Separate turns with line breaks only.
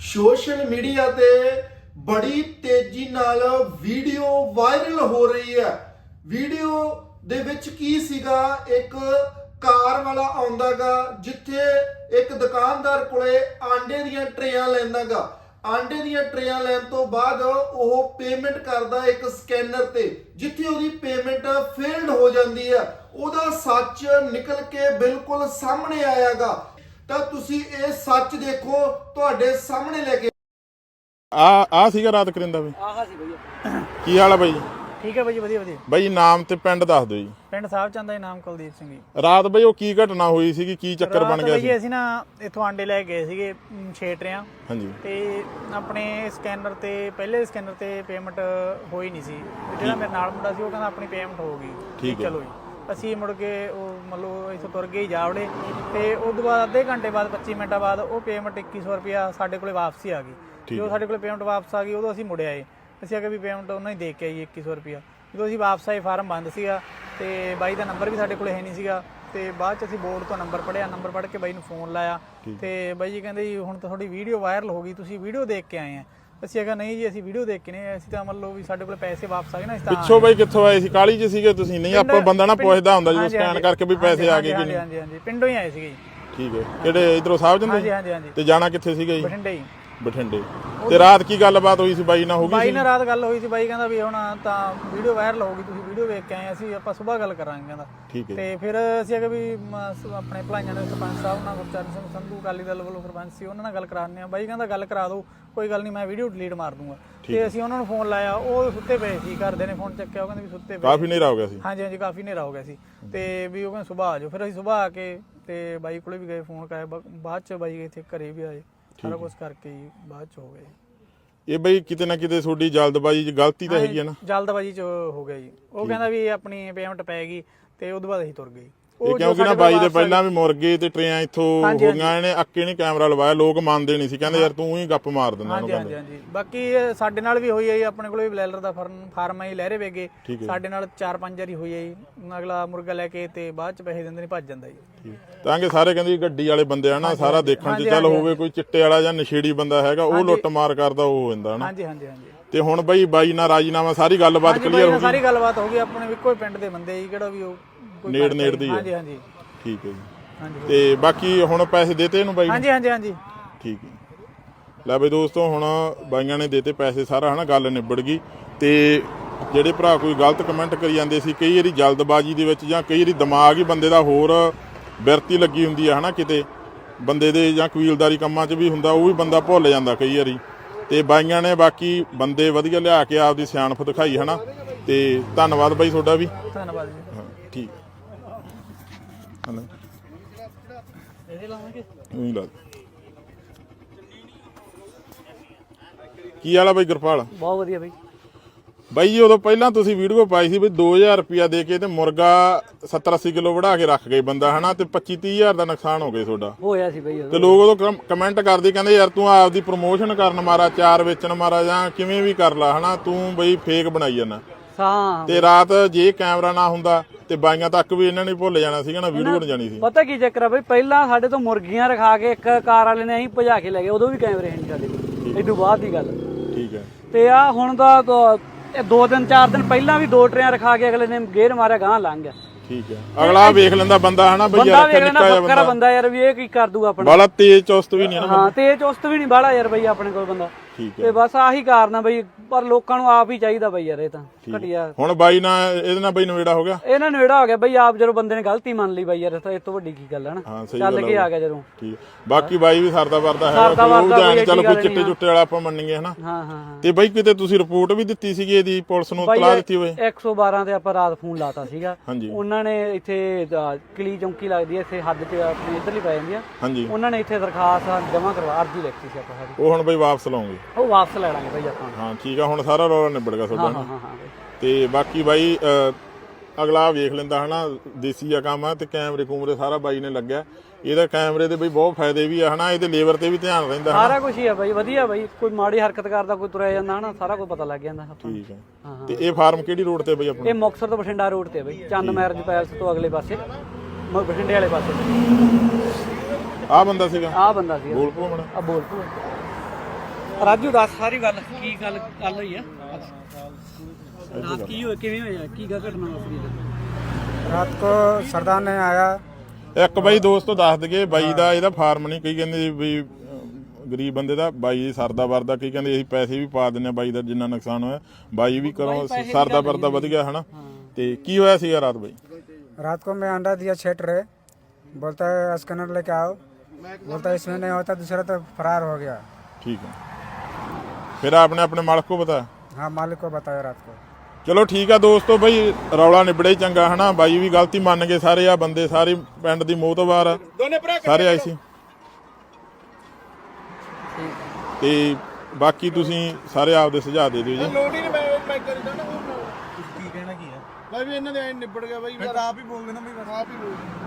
Social media ਤੇ ਬੜੀ ਤੇਜ਼ੀ ਨਾਲ ਵੀਡੀਓ ਵਾਇਰਲ ਹੋ ਰਹੀ ਹੈ। ਵੀਡੀਓ ਦੇ ਵਿੱਚ ਕੀ ਸੀਗਾ, ਇੱਕ ਕਾਰ ਵਾਲਾ ਆਉਂਦਾਗਾ ਜਿੱਥੇ ਇੱਕ ਦੁਕਾਨਦਾਰ ਕੋਲੇ ਆਂਡੇ ਦੀਆਂ ਟਰੇਆਂ ਲੈਂਦਾਗਾ। ਆਂਡੇ ਦੀਆਂ ਟਰੇਆਂ ਲੈਣ ਤੋਂ ਬਾਅਦ ਉਹ ਪੇਮੈਂਟ ਕਰਦਾ ਇੱਕ ਸਕੈਨਰ ਤੇ, ਜਿੱਥੇ ਉਹਦੀ ਪੇਮੈਂਟ ਫੇਲਡ ਹੋ ਜਾਂਦੀ ਹੈ। ਉਹਦਾ ਸੱਚ ਨਿਕਲ ਕੇ ਬਿਲਕੁਲ ਸਾਹਮਣੇ ਆਇਆਗਾ। ਤਾਂ ਤੁਸੀਂ ਇਹ ਸੱਚ ਦੇਖੋ, ਤੁਹਾਡੇ ਸਾਹਮਣੇ ਲੈ ਕੇ
ਆ ਸੀਗਾ ਰਾਤ ਕਰਿੰਦਾ ਬਈ।
ਆਹਾ ਸੀ ਭਈਆ।
ਕੀ ਹਾਲ ਆ ਬਾਈ?
ਠੀਕ ਹੈ ਬਾਈ, ਵਧੀਆ ਵਧੀਆ।
ਬਾਈ ਨਾਮ ਤੇ ਪਿੰਡ ਦੱਸ ਦਿਓ ਜੀ।
ਪਿੰਡ ਸਾਹਿਬ ਚੰਦ ਦਾ ਨਾਮ ਕੁਲਦੀਪ ਸਿੰਘ ਜੀ।
ਰਾਤ ਬਈ ਉਹ ਕੀ ਘਟਨਾ ਹੋਈ ਸੀਗੀ, ਕੀ ਚੱਕਰ ਬਣ ਗਿਆ ਸੀ?
ਰਾਤ ਅਸੀਂ ਨਾ ਇੱਥੋਂ ਆਂਡੇ ਲੈ ਗਏ ਸੀਗੇ 6 ਟਰਿਆਂ।
ਹਾਂਜੀ।
ਤੇ ਆਪਣੇ ਸਕੈਨਰ ਤੇ ਪਹਿਲੇ ਸਕੈਨਰ ਤੇ ਪੇਮੈਂਟ ਹੋਈ ਨਹੀਂ ਸੀ। ਜਿਹੜਾ ਮੇਰੇ ਨਾਲ ਮੁੰਡਾ ਸੀ ਉਹ ਕਹਿੰਦਾ ਆਪਣੀ ਪੇਮੈਂਟ ਹੋ ਗਈ।
ਠੀਕ ਹੈ।
ਚਲੋ ਜੀ ਅਸੀਂ ਮੁੜ ਕੇ ਉਹ ਮਤਲਬ ਇੱਥੋਂ ਤੁਰ ਗਏ ਜਾਵੜੇ ਤੇ ਉਸ ਤੋਂ ਬਾਅਦ ਅੱਧੇ ਘੰਟੇ ਬਾਅਦ 25 ਮਿੰਟਾਂ ਬਾਅਦ ਉਹ ਪੇਮੈਂਟ 2100 ਰੁਪਇਆ ਸਾਡੇ ਕੋਲੇ ਵਾਪਸੀ ਆ ਗਈ। ਜਦੋਂ ਸਾਡੇ ਕੋਲੇ ਪੇਮੈਂਟ ਵਾਪਸ ਆ ਗਈ ਉਦੋਂ ਅਸੀਂ ਮੁੜ ਆਏ। ਅਸੀਂ ਆ ਕੇ ਵੀ ਪੇਮੈਂਟ ਉਹਨਾਂ ਹੀ ਦੇ ਕੇ ਆਈ 2100 ਰੁਪਇਆ। ਜਦੋਂ ਅਸੀਂ ਵਾਪਸ ਆਏ ਫਾਰਮ ਬੰਦ ਸੀਗਾ ਤੇ ਬਾਈ ਦਾ ਨੰਬਰ ਵੀ ਸਾਡੇ ਕੋਲੇ ਹੈ ਨਹੀਂ ਸੀਗਾ। ਤੇ ਬਾਅਦ ਚ ਅਸੀਂ ਬੋਰਡ ਤੋਂ ਨੰਬਰ ਪੜ੍ਹਿਆ, ਨੰਬਰ ਪੜ੍ਹ ਕੇ ਬਾਈ ਨੂੰ ਫੋਨ ਲਾਇਆ ਤੇ ਬਾਈ ਜੀ ਕਹਿੰਦੇ ਜੀ ਹੁਣ ਤਾਂ ਤੁਹਾਡੀ ਵੀਡੀਓ ਵਾਇਰਲ ਹੋ ਗਈ, ਤੁਸੀਂ ਵੀਡੀਓ ਦੇਖ ਕੇ ਆਏ ਆ। ਅਸੀਂ ਕਿਹਾ ਨਹੀਂ ਜੀ ਅਸੀਂ ਵੀਡੀਓ ਦੇਖ ਕੇ ਨਹੀਂ, ਅਸੀਂ ਤਾਂ ਮੰਨ ਲਓ ਵੀ ਸਾਡੇ ਕੋਲ ਪੈਸੇ ਵਾਪਸ ਆ ਗਏ ਨਾ। ਇਸ ਤਰ੍ਹਾਂ
ਪਿੱਛੋਂ ਬਾਈ ਕਿੱਥੋਂ ਆਏ ਸੀ? ਕਾਲੀ ਚ ਸੀਗੇ ਤੁਸੀਂ? ਨਹੀਂ ਆਪਾਂ ਬੰਦਾ ਨਾ ਪੁੱਛਦਾ ਹੁੰਦਾ ਜਦੋਂ ਸਕੈਨ ਕਰਕੇ ਵੀ ਪੈਸੇ ਆ ਗਏ ਕਿ ਨਹੀਂ।
ਹਾਂਜੀ ਹਾਂਜੀ ਪਿੰਡੋਂ ਹੀ ਆਏ ਸੀਗੇ ਜੀ।
ਠੀਕ ਹੈ। ਕਿਹੜੇ ਇਧਰੋਂ ਸਾਹਿਬ ਜੰਦੇ?
ਹਾਂਜੀ ਹਾਂਜੀ ਹਾਂਜੀ।
ਤੇ ਜਾਣਾ ਕਿੱਥੇ ਸੀਗਾ ਜੀ?
ਬਠਿੰਡੇ ਹੀ।
ਬਠਿੰਡੇ। ਤੇ ਰਾਤ ਕੀ ਗੱਲਬਾਤ ਹੋਈ ਸੀ ਬਾਈ ਨਾਲ? ਹੋ ਗਈ
ਬਾਈ ਨਾਲ ਰਾਤ ਗੱਲ ਹੋਈ ਸੀ। ਬਾਈ ਕਹਿੰਦਾ ਵੀ ਹੁਣ ਤਾਂ ਵੀਡੀਓ ਵਾਇਰਲ ਹੋ ਗਈ, ਤੁਸੀਂ ਵੀਡੀਓ ਵੇਖ ਕੇ ਆਏ, ਅਸੀਂ ਆਪਾਂ ਸਵੇਰ ਗੱਲ ਕਰਾਂਗੇ ਕਹਿੰਦਾ।
ਠੀਕ ਹੈ।
ਤੇ ਫਿਰ ਅਸੀਂ ਆ ਕੇ ਵੀ ਆਪਣੇ ਭਲਾਈਆਂ ਦੇ ਸਰਪੰਚ ਸਾਹਿਬ ਨਾਲ ਗੁਰਚਰਨ ਸਿੰਘ ਸੰਧੂ ਅਕਾਲੀ ਦਲ ਵੱਲੋਂ ਸਰਪੰਚ ਸੀ, ਉਹਨਾਂ ਨਾਲ ਗੱਲ ਕਰਾਉਂਦੇ ਆ। ਬਾਈ ਕਹਿੰਦਾ ਗੱਲ ਕਰਾ ਦਿਓ, ਕੋਈ ਗੱਲ ਨਹੀਂ, ਮੈਂ ਵੀਡੀਓ ਡਿਲੀਟ ਮਾਰ ਦੂੰਗਾ। ਤੇ ਅਸੀਂ ਉਹਨਾਂ ਨੂੰ ਫੋਨ ਲਾਇਆ, ਉਹ ਸੁੱਤੇ ਪਏ ਸੀ। ਘਰਦੇ ਨੇ ਫੋਨ ਚੱਕਿਆ, ਉਹ ਕਹਿੰਦੇ ਵੀ ਸੁੱਤੇ ਪਏ।
ਕਾਫੀ ਹਨੇਰਾ ਹੋ ਗਿਆ ਸੀ?
ਹਾਂਜੀ ਹਾਂਜੀ ਕਾਫੀ ਹਨੇਰਾ ਹੋ ਗਿਆ ਸੀ। ਤੇ ਵੀ ਉਹ ਕਹਿੰਦੇ ਸੁਬਾਹ ਆ ਜਾਓ। ਫਿਰ ਅਸੀਂ ਸੁਬਾਹ ਆ ਕੇ ਤੇ ਬਾਈ ਕੋਲੇ ਵੀ ਗਏ, ਫੋਨ ਕਰਾਇਆ। ਬਾਅਦ ਚ ਬਾਈ ਇੱਥੇ ਘਰੇ ਵੀ ਆਏ, ਸਾਰਾ ਕੁਝ ਕਰਕੇ ਹੀ ਬਾਅਦ ਚ ਹੋ ਗਏ।
ਇਹ ਬਈ ਕਿਤੇ ਨਾ ਕਿਤੇ ਤੁਹਾਡੀ ਜਲਦਬਾਜ਼ੀ ਚ ਗਲਤੀ ਤਾਂ ਹੈਗੀ ਹੈ ਨਾ?
ਜਲਦਬਾਜ਼ੀ ਚ ਹੋ ਗਿਆ ਜੀ। ਉਹ ਕਹਿੰਦਾ ਵੀ ਆਪਣੀ ਪੇਮੈਂਟ ਪੈ ਗਈ ਤੇ ਉਹਦੇ ਬਾਅਦ ਅਸੀਂ ਤੁਰ ਗਏ।
ਕਿਉਂਕਿ ਨਾ ਬਾਈ ਦੇ ਪਹਿਲਾਂ ਵੀ ਮੁਰਗੇ ਤੇ ਟਰੇਆਂ ਇੱਥੋਂ ਹੋ ਗਈਆਂ। ਇਹਨੇ ਅੱਕੇ ਨਹੀਂ ਕੈਮਰਾ ਲਵਾਇਆ, ਲੋਕ ਮੰਨਦੇ ਨਹੀਂ ਸੀ, ਕਹਿੰਦੇ ਯਾਰ ਤੂੰ ਹੀ ਗੱਪ ਮਾਰ ਦਿੰਦਾ ਉਹਨੂੰ।
ਹਾਂਜੀ ਹਾਂਜੀ ਬਾਕੀ ਸਾਡੇ ਨਾਲ ਵੀ ਹੋਈ ਹੈ ਜੀ। ਆਪਣੇ ਕੋਲ ਵੀ ਬਲੈਲਰ ਦਾ ਫਾਰਮ ਹੈ ਲਹਿਰੇ ਵੇਗੇ, ਸਾਡੇ ਨਾਲ 4-5 ਵਾਰੀ ਹੋਈ ਹੈ ਜੀ। ਅਗਲਾ ਮੁਰਗਾ ਲੈ ਕੇ ਤੇ ਬਾਅਦ ਚ ਪੈਸੇ ਦਿੰਦੇ ਨਹੀਂ, ਭੱਜ ਜਾਂਦਾ ਜੀ।
ਤਾਂ ਕਿ ਸਾਰੇ ਕਹਿੰਦੇ ਗੱਡੀ ਵਾਲੇ ਬੰਦੇ ਆ ਨਾ, ਸਾਰਾ ਦੇਖਣ ਚ ਚੱਲ ਹੋਵੇ ਕੋਈ ਚਿੱਟੇ ਵਾਲਾ ਜਾਂ ਨਸ਼ੇੜੀ ਬੰਦਾ ਹੈਗਾ, ਉਹ ਲੁੱਟ ਮਾਰ ਕਰਦਾ ਉਹ ਹੋ ਜਾਂਦਾ ਨਾ।
ਹਾਂਜੀ ਹਾਂਜੀ ਹਾਂਜੀ।
ਤੇ ਹੁਣ ਬਾਈ ਨਾਲ ਰਾਜੀਨਾਮਾ ਸਾਰੀ ਗੱਲਬਾਤ ਕਲੀਅਰ ਹੋ ਗਈ?
ਸਾਰੀ ਗੱਲਬਾਤ ਹੋ ਗਈ। ਆਪਣੇ ਇੱਕੋ ਹੀ ਪਿੰਡ ਦੇ ਬੰਦੇ ਜੀ, ਕਿਹੜਾ ਵੀ ਉਹ
ਨੇੜ ਦੀ।
ਹਾਂਜੀ ਹਾਂਜੀ
ਠੀਕ ਹੈ ਜੀ। ਤੇ ਬਾਕੀ ਹੁਣ ਪੈਸੇ ਦੇਤੇ ਇਹਨੂੰ ਬਾਈ?
ਹਾਂਜੀ ਹਾਂਜੀ ਹਾਂਜੀ।
ਠੀਕ ਹੈ। ਲੈ ਬਈ ਦੋਸਤੋ, ਹੁਣ ਬਾਈਆਂ ਨੇ ਦੇਤੇ ਪੈਸੇ, ਸਾਰਾ ਹਨਾ ਗੱਲ ਨਿਬੜ ਗਈ। ਤੇ ਜਿਹੜੇ ਭਰਾ ਕੋਈ ਗਲਤ ਕਮੈਂਟ ਕਰੀ ਜਾਂਦੇ ਸੀ, ਕਈ ਵਾਰੀ ਜਲਦਬਾਜ਼ੀ ਦੇ ਵਿੱਚ ਜਾਂ ਕਈ ਵਾਰੀ ਦਿਮਾਗ ਹੀ ਬੰਦੇ ਦਾ ਹੋਰ ਬਿਰਤੀ ਲੱਗੀ ਹੁੰਦੀ ਆ ਹਨਾ, ਕਿਤੇ ਬੰਦੇ ਦੇ ਜਾਂ ਕਬੀਲਦਾਰੀ ਕੰਮਾਂ 'ਚ ਵੀ ਹੁੰਦਾ, ਉਹ ਵੀ ਬੰਦਾ ਭੁੱਲ ਜਾਂਦਾ ਕਈ ਵਾਰੀ। ਤੇ ਬਾਈਆਂ ਨੇ ਬਾਕੀ ਬੰਦੇ ਵਧੀਆ ਲਿਆ ਕੇ ਆਪਦੀ ਸਿਆਣਪ ਦਿਖਾਈ ਹਨਾ। ਤੇ ਧੰਨਵਾਦ ਬਾਈ ਤੁਹਾਡਾ ਵੀ।
ਧੰਨਵਾਦ ਜੀ।
ਹਾਂ ਠੀਕ।
ਇਹਦੇ ਲਾਵਾਂਗੇ
ਉਹੀ ਲਾ ਕੀ ਵਾਲਾ ਬਾਈ ਗੁਰਪਾਲ?
ਬਹੁਤ ਵਧੀਆ ਬਾਈ।
ਬਾਈ ਜੀ ਉਦੋਂ ਪਹਿਲਾਂ ਤੁਸੀਂ ਵੀਡੀਓ ਪਾਈ ਸੀ ਵੀ 2000 ਰੁਪਇਆ ਦੇ ਕੇ ਤੇ ਮੁਰਗਾ 70-80 ਕਿਲੋ ਵੜਾ ਕੇ ਰੱਖ ਗਏ ਬੰਦਾ ਹਨਾ, ਤੇ 25-30 ਹਜ਼ਾਰ ਦਾ ਨੁਕਸਾਨ ਹੋ ਗਿਆ ਤੁਹਾਡਾ।
ਹੋਇਆ ਸੀ ਬਾਈ।
ਤੇ ਲੋਕ ਉਦੋਂ ਕਮੈਂਟ ਕਰਦੇ, ਕਹਿੰਦੇ ਯਾਰ ਤੂੰ ਆਪਦੀ ਪ੍ਰਮੋਸ਼ਨ ਕਰਨ ਮਾਰਾ, ਚਾਰ ਵੇਚਣ ਮਾਰਾ, ਜਾਂ ਕਿਵੇਂ ਵੀ ਕਰ ਲਾ ਹਨਾ, ਤੂੰ ਬਈ ਫੇਕ ਬਣਾਈ ਜਾਂਦਾ। ਤੇ ਰਾਤ ਜੇ ਕੈਮਰਾ ਨਾ ਹੁੰਦਾ ਤੇ ਬਾਈਆਂ ਤੱਕ ਵੀ ਇਹਨਾਂ ਨੇ ਭੁੱਲ ਜਾਣਾ ਸੀਗਾ ਨਾ, ਵੀਡੀਓ ਬਣ ਜਾਣੀ ਸੀ।
ਪਤਾ ਕੀ ਚੱਕਰ ਆ ਬਈ, ਪਹਿਲਾਂ ਸਾਡੇ ਤੋਂ ਮੁਰਗੀਆਂ ਰਖਾ ਕੇ ਇੱਕ ਕਾਰ ਵਾਲੇ ਨੇ ਅਸੀਂ ਭਜਾ ਕੇ ਲੈ ਗਏ, ਉਦੋਂ ਵੀ ਕੈਮਰੇ ਨਹੀਂ ਸਾਡੇ ਕੋਲ। ਇਦੋਂ ਬਾਅਦ ਦੀ ਗੱਲ।
ਠੀਕ ਹੈ।
ਤੇ ਆ ਹੁਣ ਦਾ 2 ਦਿਨ 4 ਦਿਨ ਪਹਿਲਾਂ ਵੀ 2 ਟਰੇਆਂ ਰਖਾ ਕੇ ਅਗਲੇ ਨੇ ਗੇਰ ਮਾਰਿਆ, ਗਾਂ ਲੰਘ ਗਿਆ।
ਠੀਕ ਹੈ। ਅਗਲਾ ਵੇਖ ਲੈਂਦਾ ਬੰਦਾ ਹਨਾ ਬਈ, ਯਾਰ
ਬੱਕਰਾ ਬੰਦਾ ਯਾਰ ਵੀ ਇਹ ਕੀ ਕਰ ਦੂਗਾ ਆਪਣਾ।
ਬਾਲਾ ਤੇਜ਼ ਚੁਸਤ ਵੀ ਨਹੀਂ ਨਾ।
ਹਾਂ ਤੇਜ਼ ਚੁਸਤ ਵੀ ਨਹੀਂ ਬਾਲਾ ਯਾਰ ਬਈ ਆਪਣੇ ਕੋਲ ਬੰਦਾ। ਤੇ ਬਸ ਆਹੀ ਕਾਰਨ ਆ ਬਈ, ਪਰ ਲੋਕਾਂ ਨੂੰ ਆਪ ਹੀ ਚਾਹੀਦਾ ਬਈ ਯਾਰ, ਇਹ ਤਾਂ ਘਟਿਆ।
ਹੁਣ ਬਾਈ ਨਾਲ ਇਹਦੇ ਨਾਲ ਬਈ ਨਵੇੜਾ ਹੋ ਗਿਆ?
ਇਹਨਾਂ ਨਵੇੜਾ ਹੋ ਗਿਆ ਬਈ, ਆਪ ਜਦੋਂ ਬੰਦੇ ਨੇ ਗਲਤੀ ਮੰਨ ਲਈ ਬਈ ਯਾਰ, ਇਹ ਤੋਂ ਵੱਡੀ ਕੀ ਗੱਲ ਹੈ ਨਾ। ਚੱਲ ਕੇ ਆ ਗਿਆ ਜਦੋਂ।
ਠੀਕ। ਬਾਕੀ ਬਾਈ ਵੀ ਸਰਦਾ ਵਰਦਾ ਹੈ, ਚੱਲ ਕੋਈ ਚਿੱਟੇ ਚੁੱਟੇ ਵਾਲਾ ਆਪਾਂ ਮੰਨੀਏ ਹਨਾ।
ਹਾਂ ਹਾਂ।
ਤੇ ਬਾਈ ਕਿਤੇ ਤੁਸੀਂ ਰਿਪੋਰਟ ਵੀ ਦਿੱਤੀ ਸੀਗੀ ਇਹਦੀ, ਪੁਲਿਸ ਨੂੰ ਇਤਲਾਹ ਦਿੱਤੀ ਹੋਵੇ?
112 ਤੇ ਆਪਾਂ ਰਾਤ ਫੋਨ ਲਾਤਾ ਸੀਗਾ।
ਹਾਂਜੀ।
ਉਹਨਾਂ ਨੇ ਇੱਥੇ ਕਲੀ ਚੌਂਕੀ ਲੱਗਦੀ ਹੈ ਇੱਥੇ ਹੱਦ ਤੇ ਆਪਣੀ ਇੱਧਰਲੀ ਪੈ ਜਾਂਦੀ ਆ।
ਹਾਂਜੀ।
ਉਹਨਾਂ ਨੇ ਇੱਥੇ ਦਰਖਾਸਤ ਜਮ੍ਹਾਂ ਕਰਵਾ, ਅਰਜੀ ਲਿਖਤੀ ਸੀ ਆਪਾਂ ਸਾਡੀ।
ਉਹ ਹੁਣ ਬਾਈ ਵਾਪਸ ਲਾਉਂਗੇ?
ਉਹ ਵਾਪਸ ਲੈ ਲਾਂਗੇ ਬਾਈ ਆਪਾਂ।
ਹਾਂ ਠੀਕ ਆ, ਹੁਣ ਸਾਰਾ ਰੌਲਾ ਨਿਬੜ ਗਿਆ ਤੁਹਾਡਾ।
ਹਾਂ ਹਾਂ ਹਾਂ।
ਤੇ ਬਾਕੀ ਬਾਈ ਅਗਲਾ ਵੇਖ ਲੈਂਦਾ ਹਨਾ, ਦੇਸੀ ਆ ਕੰਮ ਆ। ਤੇ ਕੈਮਰੇ ਕੂਮਰੇ ਸਾਰਾ ਬਾਈ ਨੇ ਲੱਗਿਆ। ਇਹਦਾ ਕੈਮਰੇ ਦੇ ਬਈ ਬਹੁਤ ਫਾਇਦੇ ਵੀ ਆ ਹਨਾ, ਇਹਦੇ ਲੇਬਰ ਤੇ ਵੀ ਧਿਆਨ ਰਹਿੰਦਾ
ਸਾਰਾ ਕੁਝ ਹੀ ਆ ਬਾਈ, ਵਧੀਆ ਬਾਈ। ਕੋਈ ਮਾੜੀ ਹਰਕਤ ਕਰਦਾ, ਕੋਈ ਤੁਰਿਆ ਜਾਂਦਾ ਹਨਾ, ਸਾਰਾ ਕੁਝ ਪਤਾ ਲੱਗ ਜਾਂਦਾ।
ਠੀਕ ਹੈ। ਤੇ ਇਹ ਫਾਰਮ ਕਿਹੜੀ ਰੋਡ ਤੇ ਬਈ ਆਪਣਾ?
ਇਹ ਮੁਕਤਸਰ ਤੋਂ ਬਠਿੰਡਾ ਰੋਡ ਤੇ ਬਾਈ, ਚੰਦ ਮੈਰਿਜ ਪੈਲਸ ਤੋਂ ਅਗਲੇ ਪਾਸੇ, ਬਠਿੰਡੇ ਵਾਲੇ ਪਾਸੇ।
ਆਹ ਬੰਦਾ ਸੀਗਾ?
ਆਹ ਬੰਦਾ ਸੀਗਾ।
ਬੋਲ ਪੋ ਮਣਾ।
ਆ ਬੋਲ ਪੋ। ਰਾਜੂ ਦੱਸ ਸਾਰੀ ਗੱਲ ਕੀ ਗੱਲ ਹੋਈ ਆ ਰਾਤ ਕੀ ਹੋਇਆ ਕਿਵੇਂ ਹੋਇਆ ਕੀ ਗੱਲ ਘਟਨਾ ਵਾਪਰੀ
रात को सरदार ने आया।
ਇੱਕ ਬਾਈ ਦੋਸਤੋ ਦੱਸ ਦਈਏ ਬਾਈ ਦਾ ਇਹਦਾ ਫਾਰਮ ਨਹੀਂ, ਕਈ ਕਹਿੰਦੇ ਵੀ ਗਰੀਬ ਬੰਦੇ ਦਾ ਬਾਈ ਸਰਦਾ ਵਰਦਾ, ਕਈ ਕਹਿੰਦੇ ਅਸੀਂ ਪੈਸੇ ਵੀ ਪਾ ਦਿੰਦੇ ਆ ਬਾਈ ਦਾ ਜਿੰਨਾ ਨੁਕਸਾਨ ਹੋਇਆ, ਬਾਈ ਵੀ ਕਰੋ ਸਰਦਾ ਵਰਦਾ ਵਧ ਗਿਆ ਹਨਾ। ਤੇ ਕੀ ਹੋਇਆ ਸੀਗਾ ਰਾਤ ਬਾਈ?
रात को मैं अंडा दिया 6 ट्रे, बोलता है स्कैनर लेके आओ, बोलता है इसमें नहीं होता, दूसरा तो फरार हो गया।
ठीक है, फिर आपने अपने मालिक को बताया?
हाँ मालिक को बताया रात को।
ਚਲੋ ਠੀਕ ਆ ਦੋਸਤੋ, ਬਈ ਰੌਲਾ ਨਿਬੜੇ ਚੰਗਾ ਹਨਾ। ਬਾਈ ਵੀ ਗਲਤੀ ਮੰਨ ਗਏ, ਸਾਰੇ ਆ ਬੰਦੇ ਸਾਰੇ ਪਿੰਡ ਦੀ ਮੋਹਤਬਾਰ ਆ, ਸਾਰੇ ਆਏ ਸੀ। ਤੇ ਬਾਕੀ ਤੁਸੀਂ ਸਾਰੇ ਆਪਦੇ ਸੁਝਾਅ ਦੇ ਦਿਓ ਜੀ।
ਲੋੜ ਹੀ ਨਹੀਂ, ਮੈਂ ਕਰੀ ਜਾਣਾ। ਕੀ ਕਹਿਣਾ ਕੀ ਹੈ ਬਾਈ ਵੀ ਇਹਨਾਂ ਦੇ ਐ ਨਿਬੜ ਗਿਆ ਬਾਈ, ਆਪ ਹੀ ਬੋਲ ਦੇਣਾ ਬਈ, ਆਪ ਹੀ ਬੋਲ